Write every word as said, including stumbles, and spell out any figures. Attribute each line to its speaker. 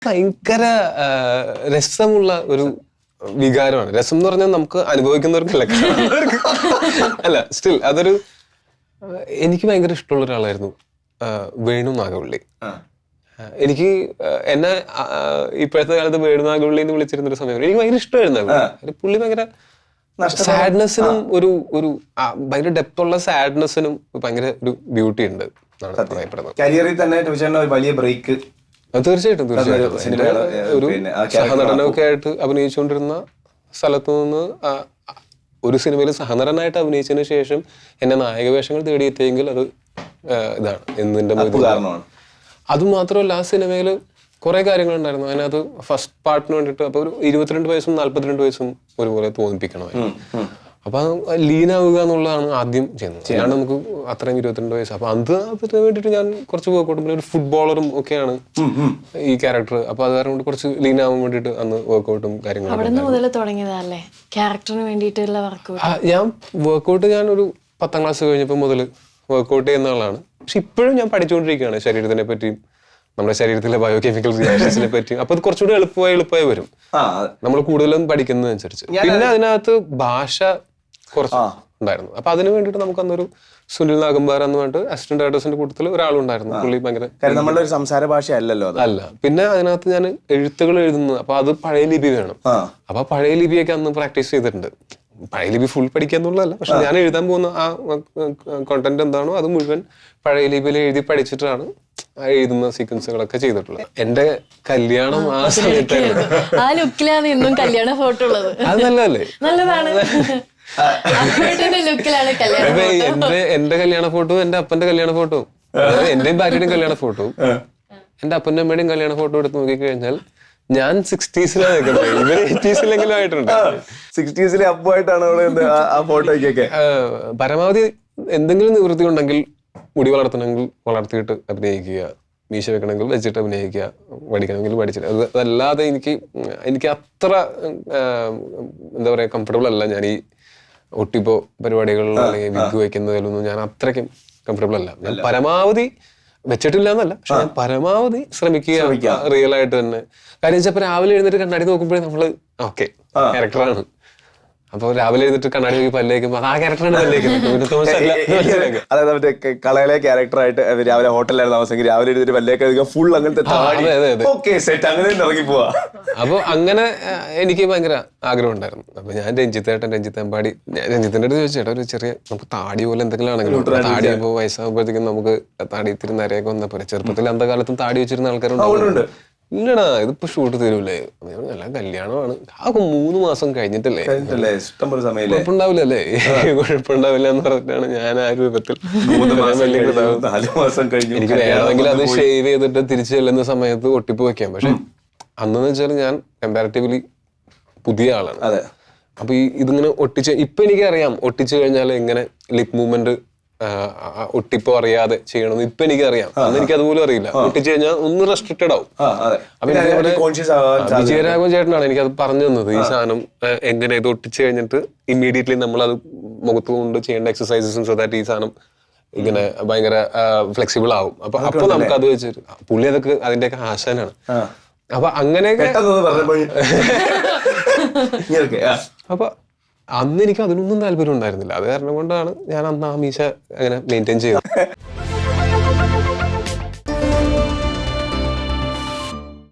Speaker 1: ഭയങ്കര രസമുള്ള ഒരു വികാരമാണ്. രസം എന്ന് പറഞ്ഞാൽ നമുക്ക് അനുഭവിക്കുന്നവർക്കല്ല, അല്ല സ്റ്റിൽ അതൊരു എനിക്ക് ഭയങ്കര ഇഷ്ടമുള്ള ഒരാളായിരുന്നു വേണു നാഗവള്ളി. എനിക്ക് എന്നെ ഇപ്പോഴത്തെ കാലത്ത് വേണു നാഗവള്ളി എന്ന് വിളിച്ചിരുന്നൊരു സമയം എനിക്ക് ഭയങ്കര ഇഷ്ടമായിരുന്നു. പുള്ളി ഭയങ്കര സാഡ്നെസ്സിനും ഒരു ഒരു ഭയങ്കര ഡെപ്ത് ഉള്ള സാഡ്നെസ്സിനും ഭയങ്കര ഒരു ബ്യൂട്ടി ഉണ്ട് എന്നാണ് പറയപ്പെടുന്നത്.
Speaker 2: കരിയറിൽ തന്നെ ഒരു വലിയ ബ്രേക്ക്
Speaker 1: തീർച്ചയായിട്ടും തീർച്ചയായിട്ടും ഒരു സഹനടനമൊക്കെ ആയിട്ട് അഭിനയിച്ചുകൊണ്ടിരുന്ന സ്ഥലത്തു നിന്ന് ഒരു സിനിമയിൽ സഹനടനായിട്ട് അഭിനയിച്ചതിന് ശേഷം എന്നെ നായക വേഷങ്ങൾ തേടിയെത്തിയെങ്കിൽ അത് ഇതാണ് എന്നിന്റെ കാരണമാണ്. അതുമാത്രമല്ല ആ സിനിമയിൽ കുറെ കാര്യങ്ങളുണ്ടായിരുന്നു. അതിനകത്ത് ഫസ്റ്റ് പാർട്ടിന് വേണ്ടിയിട്ട് അപ്പൊ ഒരു ഇരുപത്തിരണ്ട് വയസ്സും നാല്പത്തിരണ്ട് വയസ്സും ഒരുപോലെ തോന്നിപ്പിക്കണമായിരുന്നു. അപ്പൊ ലീനാവുക എന്നുള്ളതാണ് ആദ്യം ചെയ്യുന്നത്. അല്ലാണ്ട് നമുക്ക് അത്രയും ഇരുപത്തിരണ്ട് വയസ്സ്. അപ്പൊ അത് അതിന് വേണ്ടിയിട്ട് ഞാൻ കുറച്ച് വർക്കൗട്ടും പിന്നെ ഒരു ഫുട്ബോളറും ഒക്കെയാണ് ഈ ക്യാരക്ടർ. അപ്പൊ അത് കാരണം കൊണ്ട് കുറച്ച് ലീനാവാൻ വേണ്ടിയിട്ട് അന്ന് വർക്കൗട്ടും കാര്യങ്ങളും ഞാൻ വർക്കൗട്ട് ഞാൻ ഒരു പത്താം ക്ലാസ് കഴിഞ്ഞപ്പോൾ മുതൽ വർക്കൗട്ട് ചെയ്യുന്ന ആളാണ്. പക്ഷെ ഇപ്പോഴും ഞാൻ പഠിച്ചുകൊണ്ടിരിക്കുകയാണ് ശരീരത്തിനെ പറ്റിയും നമ്മുടെ ശരീരത്തിലെ ബയോ കെമിക്കൽ റിയാക്ഷൻസിനെ പറ്റിയും. അപ്പൊ അത് കുറച്ചുകൂടി എളുപ്പമായി എളുപ്പമായി വരും നമ്മൾ കൂടുതലും പഠിക്കുന്നതനുസരിച്ച്. പിന്നെ അതിനകത്ത് ഭാഷ കുറച്ച് ഉണ്ടായിരുന്നു. അപ്പൊ അതിന് വേണ്ടിയിട്ട് നമുക്ക് അന്നൊരു സുനിൽ നാഗമ്പാർ എന്ന് പറഞ്ഞിട്ട് അസിസ്റ്റന്റ് ഡയറക്ടേഴ്സിന്റെ കൂട്ടത്തിൽ ഒരാളുണ്ടായിരുന്നു. പുള്ളി ഭയങ്കര
Speaker 2: നമ്മുടെ ഒരു സംസാര ഭാഷ അല്ലല്ലോ
Speaker 1: അല്ല. പിന്നെ അതിനകത്ത് ഞാൻ എഴുത്തുകൾ എഴുതുന്നത് അപ്പൊ അത് പഴയ ലിപി വേണം. അപ്പൊ പഴയ ലിപിയൊക്കെ അന്ന് പ്രാക്ടീസ് ചെയ്തിട്ടുണ്ട്. പഴയ ലിപി ഫുൾ പഠിക്കാന്നുള്ളതല്ല, പക്ഷെ ഞാൻ എഴുതാൻ പോകുന്ന ആ കോണ്ടന്റ് എന്താണോ അത് മുഴുവൻ പഴയ ലിപിയിൽ എഴുതി പഠിച്ചിട്ടാണ് എഴുതുന്ന സീക്വൻസുകളൊക്കെ ചെയ്തിട്ടുള്ളത്. എന്റെ കല്യാണം ആ സമയത്തായിരുന്നു. അത് നല്ലതല്ലേ? എന്റെ എന്റെ കല്യാണ ഫോട്ടോ എന്റെ അപ്പന്റെ കല്യാണ ഫോട്ടോ എന്റെയും ഭാര്യയുടെയും കല്യാണ ഫോട്ടോ എന്റെ അപ്പന്റെ അമ്മയുടെയും കല്യാണ ഫോട്ടോ എടുത്ത് നോക്കിക്കഴിഞ്ഞാൽ ഞാൻ സിക്സ്റ്റീസിലാണ് നിൽക്കുന്നത്. ഇവര് എയ്റ്റീസിലെങ്കിലും ആയിട്ടുണ്ട്.
Speaker 2: സിക്സ്റ്റീസിലെ അപ്പുമായിട്ടാണ് ആ ഫോട്ടോയ്ക്കൊക്കെ.
Speaker 1: പരമാവധി എന്തെങ്കിലും നിവൃത്തി ഉണ്ടെങ്കിൽ മുടി വളർത്തണമെങ്കിൽ വളർത്തിയിട്ട് അഭിനയിക്കുക, മീശ വെക്കണമെങ്കിൽ വെച്ചിട്ട് അഭിനയിക്കുക, പഠിക്കണമെങ്കിൽ പഠിച്ചിട്ട്. അത് അതല്ലാതെ എനിക്ക് എനിക്ക് അത്ര എന്താ പറയാ കംഫർട്ടബിൾ അല്ല ഞാൻ ഈ ഒട്ടിപ്പോ പരിപാടികളിൽ അല്ലെങ്കിൽ വിഗ് വയ്ക്കുന്നതിലൊന്നും ഞാൻ അത്രയ്ക്കും കംഫർട്ടബിൾ അല്ല. ഞാൻ പരമാവധി വെച്ചിട്ടില്ല എന്നല്ല, പക്ഷെ ഞാൻ പരമാവധി ശ്രമിക്കുക റിയൽ ആയിട്ട് തന്നെ. കാര്യം വെച്ചാൽ ഇപ്പൊ രാവിലെ എഴുന്നേറ്റ് കണ്ണാടി നോക്കുമ്പോഴേ നമ്മള് ഓക്കെ ക്യാരക്ടറാണ്. അപ്പൊ രാവിലെ എഴുന്നിട്ട് കണ്ണാടി നോക്കി പല്ലേക്കുമ്പോ ആ ക്യാരക്ടറാണ് പല്ലേക്കുന്നത്.
Speaker 2: അതായത് മറ്റേ കളയിലെ ക്യാരക്ടറായിട്ട് രാവിലെ ഹോട്ടലിലായിരുന്നു താമസിക്കും, രാവിലെ എഴുതിട്ട് പല്ലേക്ക് ഫുൾ അങ്ങനത്തെ അങ്ങനെ ഇറങ്ങി പോവാ.
Speaker 1: അപ്പൊ അങ്ങനെ എനിക്ക് ഭയങ്കര ആഗ്രഹം ഉണ്ടായിരുന്നു. അപ്പൊ ഞാൻ രഞ്ജിത്തേട്ടൻ രഞ്ജിത്ത് അമ്പാടി രഞ്ജിത്തിന്റെ അടുത്ത് ചോദിച്ചു, ചേട്ടാ ഒരു ചെറിയ നമുക്ക് താടി പോലെ എന്തെങ്കിലും ആണെങ്കിലും താടി ആകുമ്പോൾ വയസ്സാകുമ്പോഴത്തേക്കും നമുക്ക് താടി ഇത്തിരി നിരയൊക്കെ വന്നാൽ പോലെ. ചെറുപ്പത്തിൽ അന്ത കാലത്തും താടി വെച്ചിരുന്ന ആൾക്കാരുണ്ട്. ഇല്ലടാ ഇതിപ്പോ ഷൂട്ട് തരൂലേ, നല്ല കല്യാണമാണ്, ആ മൂന്ന് മാസം കഴിഞ്ഞിട്ടല്ലേ, കുഴപ്പമുണ്ടാവില്ലല്ലേ കുഴപ്പമുണ്ടാവില്ല എന്ന് പറഞ്ഞിട്ടാണ് ഞാൻ ആ രൂപത്തിൽ. എനിക്ക് വേണമെങ്കിൽ അത് ഷേവ് ചെയ്തിട്ട് തിരിച്ചു ചെല്ലുന്ന സമയത്ത് ഒട്ടിപ്പ് വെക്കാം. പക്ഷെ അന്നെന്ന് വെച്ചാൽ ഞാൻ കമ്പാരിറ്റീവ്ലി പുതിയ ആളാണ്. അപ്പൊ ഈ ഇതിങ്ങനെ ഒട്ടിച്ച് ഇപ്പൊ എനിക്കറിയാം ഒട്ടിച്ചു കഴിഞ്ഞാൽ എങ്ങനെ ലിപ് മൂവ്മെന്റ് ഒട്ടിപ്പോ അറിയാതെ ചെയ്യണമെന്ന് ഇപ്പൊ എനിക്കറിയാം. അന്ന് എനിക്ക് അതുപോലും അറിയില്ല. ഒട്ടിച്ചു കഴിഞ്ഞാൽ ഒന്ന് റെസ്ട്രിക്റ്റഡ് ആവും. അപ്പൊ വിജയരാഘവൻ ചേട്ടനാണ് എനിക്കത് പറഞ്ഞു തന്നത്. ഈ സാധനം എങ്ങനെ ഇത് ഒട്ടിച്ചു കഴിഞ്ഞിട്ട് ഇമ്മീഡിയറ്റ്ലി നമ്മൾ അത് മുഖത്ത് കൊണ്ട് ചെയ്യേണ്ട എക്സസൈസസും സോ ദാറ്റ് ഈ സാധനം ഇങ്ങനെ ഭയങ്കര ഫ്ലെക്സിബിൾ ആവും. അപ്പൊ അപ്പൊ നമുക്ക് അത് വെച്ചിട്ട് പുള്ളി അതൊക്കെ അതിന്റെയൊക്കെ ആശാനാണ്. അപ്പൊ അങ്ങനെയൊക്കെ അപ്പൊ അന്ന് എനിക്ക് അതിനൊന്നും താല്പര്യം ഉണ്ടായിരുന്നില്ല. അത് കാരണം കൊണ്ടാണ് ഞാൻ അന്ന് ആ മീശ അങ്ങനെ മെയിൻറ്റെയിൻ ചെയ്തത്.